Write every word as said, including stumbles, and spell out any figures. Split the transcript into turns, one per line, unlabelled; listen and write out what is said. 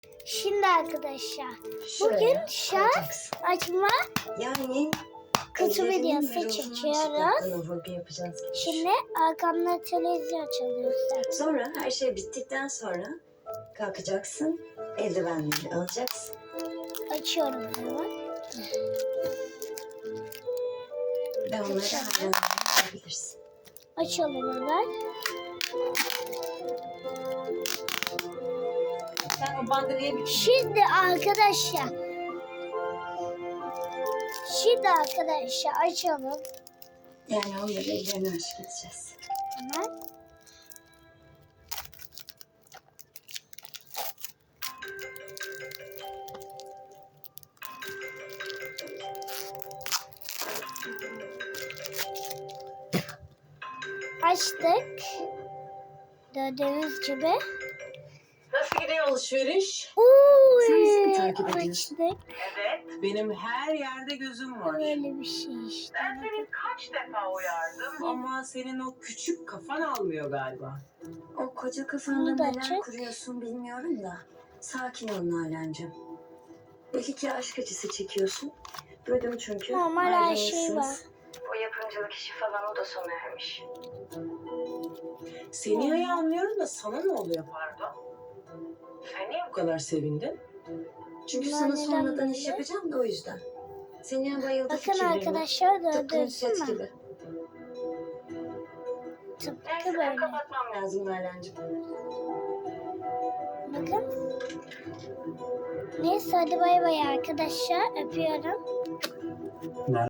Şimdi arkadaşlar
Şuraya
bugün şarj
koyacaksın.
açma
Yani
kutu
ellerinin
videosu
ve rozunun
çekiyoruz.
çıplaklığına vurgu yapacağız.
Şimdi arkamda televizyon çalıyor zaten.
Sonra her şey bittikten sonra kalkacaksın. Eldivenleri alacaksın.
Açıyorum hemen.
Ve onları hala alabilirsin.
Açalım hemen.
Sen o banderayı bir
Şimdi arkadaşlar. Şimdi arkadaşlar açalım.
Yani onları ellerine aşık edeceğiz.
Hemen. Açtık. Gördüğünüz gibi.
Nasıl gidiyor alışveriş?
Sen bizi mi
Uy,
takip ediyorsun?
açtık.
Evet. Benim her yerde gözüm var.
Böyle bir şey işte.
Ben seni kaç defa uyardım ama senin o küçük kafan almıyor galiba.
O koca kafanda
Bunu da
neler
açık.
kuruyorsun bilmiyorum da. Sakin ol Nalan'cığım. Belki ki aşk acısı çekiyorsun. Duydum çünkü.
Normal her şey
ayrılmışsınız.
var.
O yapımcılık işi falan o da sona ermiş.
Seni iyi anlıyorum da sana ne oluyor pardon? Sen niye bu kadar sevindin?
Çünkü
Bunlar
sana
neden
sonradan iş
böyle?
yapacağım da o yüzden. Seniye bayıldı
Bakın
fikirlerine.
arkadaşlar
Tıpkı
gördünüz
Nusret
mü?
gibi.
Tıpkı
Neyse ben
böyle.
kapatmam lazım Nalan'cığım.
Bakın. Neyse hadi bay bay arkadaşlar. Öpüyorum.